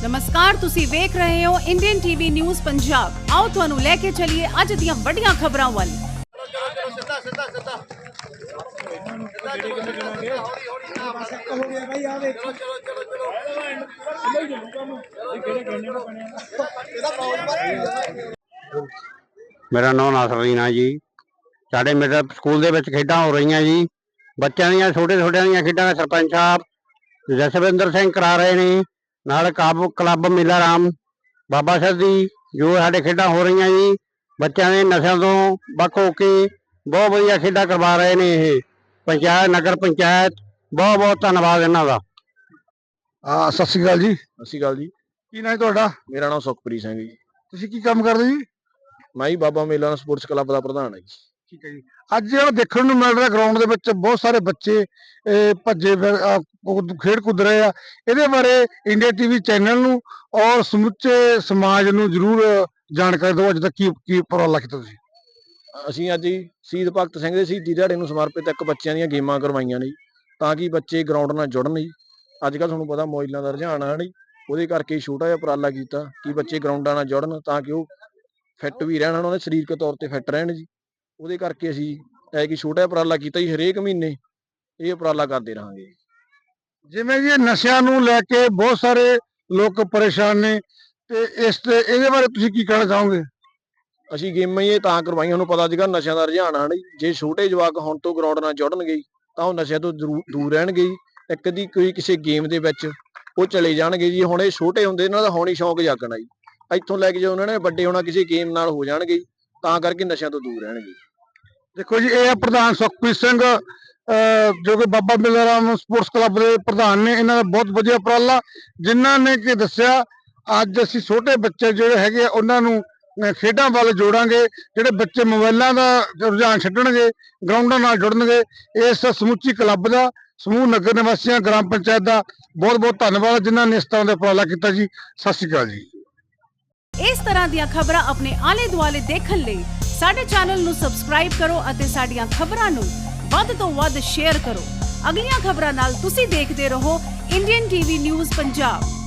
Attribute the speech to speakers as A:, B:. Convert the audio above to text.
A: नमस्कार, तुसी वेख रहे हो इंडियन टीवी न्यूज़ पंजाब। आओ तुहानू लेके चलिए अज दियां वड्डियां खबरां वाल।
B: मेरा नाम नासरीन है जी। साडे मेरे स्कूल दे विच खेडां हो रही जी। बच्चों दी छोटे छोटे दी खेडां सरपंच साहब जसविंदर सिंह करा रहे ने, नाल क्लब मेला राम बाबा साहब दी जो साडे खेडां हो रही जी। बच्चों ने नशा तो बख होके बहुत वधिया खेडां करवा रहे ने। ये पंचायत नगर पंचायत बहुत बहुत धन्नवाद इन्हां दा।
C: सत श्री अकाल जी।
D: सत श्री अकाल जी।
C: की नाम है तुहाडा?
D: मेरा नाम सुखप्रीत सिंह जी।
C: ਤੁਸੀਂ ਕੀ ਕੰਮ ਕਰਦੇ ਜੀ?
D: मैं ही बाबा मेला स्पोर्ट्स क्लब का प्रधान है जी।
C: ਠੀਕ ਹੈ ਜੀ। ਅੱਜ ਜਿਹੜਾ ਦੇਖਣ ਨੂੰ ਮਿਲ ਰਿਹਾ ਗਰਾਊਂਡ ਦੇ ਵਿੱਚ ਬਹੁਤ ਸਾਰੇ ਬੱਚੇ ਭੱਜੇ ਖੇਡ ਕੁੱਦ ਰਹੇ ਆ, ਇਹਦੇ ਬਾਰੇ ਇੰਡੀਆ ਟੀਵੀ ਚੈਨਲ ਨੂੰ ਔਰ ਸਮੁੱਚੇ ਸਮਾਜ ਨੂੰ ਜ਼ਰੂਰ ਜਾਣਕਾਰੀ ਦਿਓ। ਅੱਜ ਤੱਕ ਕੀ ਉਪਰਾਲਾ ਕੀਤਾ ਤੁਸੀਂ?
D: ਅਸੀਂ ਅੱਜ ਹੀ ਸ਼ਹੀਦ ਭਗਤ ਸਿੰਘ ਦੇ ਸ਼ਹੀਦੀ ਦਿਹਾੜੇ ਨੂੰ ਸਮਰਪਿਤ ਇੱਕ ਬੱਚਿਆਂ ਦੀਆਂ ਗੇਮਾਂ ਕਰਵਾਈਆਂ ਨੇ ਤਾਂ ਕਿ ਬੱਚੇ ਗਰਾਊਂਡ ਨਾਲ ਜੁੜਨ ਜੀ। ਅੱਜ ਕੱਲ੍ਹ ਤੁਹਾਨੂੰ ਪਤਾ ਮੋਬਾਈਲਾਂ ਦਾ ਰੁਝਾਨ ਆ ਨਹੀਂ, ਉਹਦੇ ਕਰਕੇ ਛੋਟਾ ਜਿਹਾ ਉਪਰਾਲਾ ਕੀਤਾ ਕਿ ਬੱਚੇ ਗਰਾਊਂਡਾਂ ਨਾਲ ਜੁੜਨ ਤਾਂ ਕਿ ਉਹ ਫਿੱਟ ਵੀ ਰਹਿਣ, ਉਹਨਾਂ ਦੇ ਸਰੀਰਕ ਤੌਰ ਤੇ ਫਿੱਟ ਰਹਿਣ ਜੀ। ਉਹਦੇ ਕਰਕੇ ਅਸੀਂ ਇਹ ਕਿ ਛੋਟਾ ਜਿਹਾ ਉਪਰਾਲਾ ਕੀਤਾ ਜੀ। ਹਰੇਕ ਮਹੀਨੇ ਇਹ ਉਪਰਾਲਾ ਕਰਦੇ ਰਹਾਂਗੇ।
C: ਜਿਵੇਂ ਜੀ ਨਸ਼ਿਆਂ ਨੂੰ ਲੈ ਕੇ ਬਹੁਤ ਸਾਰੇ ਲੋਕ ਪਰੇਸ਼ਾਨ ਨੇ ਤੇ ਇਹਦੇ ਬਾਰੇ ਤੁਸੀਂ ਕੀ ਕਹਿਣਾ ਚਾਹੋਗੇ?
D: ਅਸੀਂ ਗੇਮਾਂ ਹੀ ਇਹ ਤਾਂ ਕਰਵਾਈਆਂ, ਤੁਹਾਨੂੰ ਪਤਾ ਅੱਜ ਕੱਲ੍ਹ ਨਸ਼ਿਆਂ ਦਾ ਰੁਝਾਨ ਆ ਨਹੀਂ। ਜੇ ਛੋਟੇ ਜਵਾਕ ਹੁਣ ਤੋਂ ਗਰਾਊਂਡ ਨਾਲ ਜੁੜਨਗੇ ਤਾਂ ਉਹ ਨਸ਼ਿਆਂ ਤੋਂ ਦੂਰ ਰਹਿਣਗੇ। ਇੱਕ ਦੀ ਕੋਈ ਕਿਸੇ ਗੇਮ ਦੇ ਵਿੱਚ ਉਹ ਚਲੇ ਜਾਣਗੇ ਜੀ। ਹੁਣ ਇਹ ਛੋਟੇ ਹੁੰਦੇ ਇਹਨਾਂ ਦਾ ਹੁਣ ਹੀ ਸ਼ੌਂਕ ਜਾਗਣਾ ਜੀ। ਇੱਥੋਂ ਲੈ ਕੇ ਜੇ ਉਹਨਾਂ ਨੇ ਵੱਡੇ ਹੋਣਾ ਕਿਸੇ ਗੇਮ ਨਾਲ ਹੋ ਜਾਣਗੇ ਤਾਂ ਕਰਕੇ ਨਸ਼ਿਆਂ ਤੋਂ ਦੂਰ ਰਹਿਣਗੇ।
C: ਦੇਖੋ ਜੀ, ਇਹ ਪ੍ਰਧਾਨ ਸੁਖਪ੍ਰੀਤ ਸਿੰਘ ਜੋ ਕਿ ਬਾਬਾ ਮੇਲਾ ਰਾਮ ਸਪੋਰਟਸ ਕਲੱਬ ਦੇ ਪ੍ਰਧਾਨ ਨੇ। ਇਹਨਾਂ ਦਾ ਬਹੁਤ ਵਧੀਆ ਉਪਰਾਲਾ, ਜਿਨ੍ਹਾਂ ਨੇ ਕਿ ਦੱਸਿਆ ਅੱਜ ਅਸੀਂ ਛੋਟੇ ਬੱਚੇ ਜਿਹੜੇ ਹੈਗੇ ਆ ਉਹਨਾਂ ਨੂੰ ਖੇਡਾਂ ਵੱਲ ਜੋੜਾਂਗੇ। ਜਿਹੜੇ ਬੱਚੇ ਮੋਬਾਈਲਾਂ ਦਾ ਰੁਝਾਨ ਛੱਡਣਗੇ, ਗਰਾਊਂਡਾਂ ਨਾਲ ਜੁੜਨਗੇ। ਇਸ ਸਮੁੱਚੀ ਕਲੱਬ ਦਾ, ਸਮੂਹ ਨਗਰ ਨਿਵਾਸੀਆਂ, ਗ੍ਰਾਮ ਪੰਚਾਇਤ ਦਾ ਬਹੁਤ ਬਹੁਤ ਧੰਨਵਾਦ ਜਿਨ੍ਹਾਂ ਨੇ ਇਸ ਤਰ੍ਹਾਂ ਦਾ ਉਪਰਾਲਾ ਕੀਤਾ ਜੀ। ਸਤਿ ਸ਼੍ਰੀ ਅਕਾਲ ਜੀ।
A: इस तरह ਦੀਆਂ ਖਬਰਾਂ ਆਪਣੇ ਆਲੇ ਦੁਆਲੇ ਦੇਖਣ ਲਈ ਸਾਡੇ ਚੈਨਲ ਨੂੰ ਸਬਸਕ੍ਰਾਈਬ ਕਰੋ ਅਤੇ ਸਾਡੀਆਂ ਖਬਰਾਂ ਨੂੰ ਵੱਧ ਤੋਂ ਵੱਧ ਸ਼ੇਅਰ ਕਰੋ। ਅਗਲੀਆਂ ਖਬਰਾਂ ਨਾਲ ਤੁਸੀਂ ਦੇਖਦੇ ਰਹੋ ਇੰਡੀਅਨ ਟੀਵੀ ਨਿਊਜ਼ ਪੰਜਾਬ।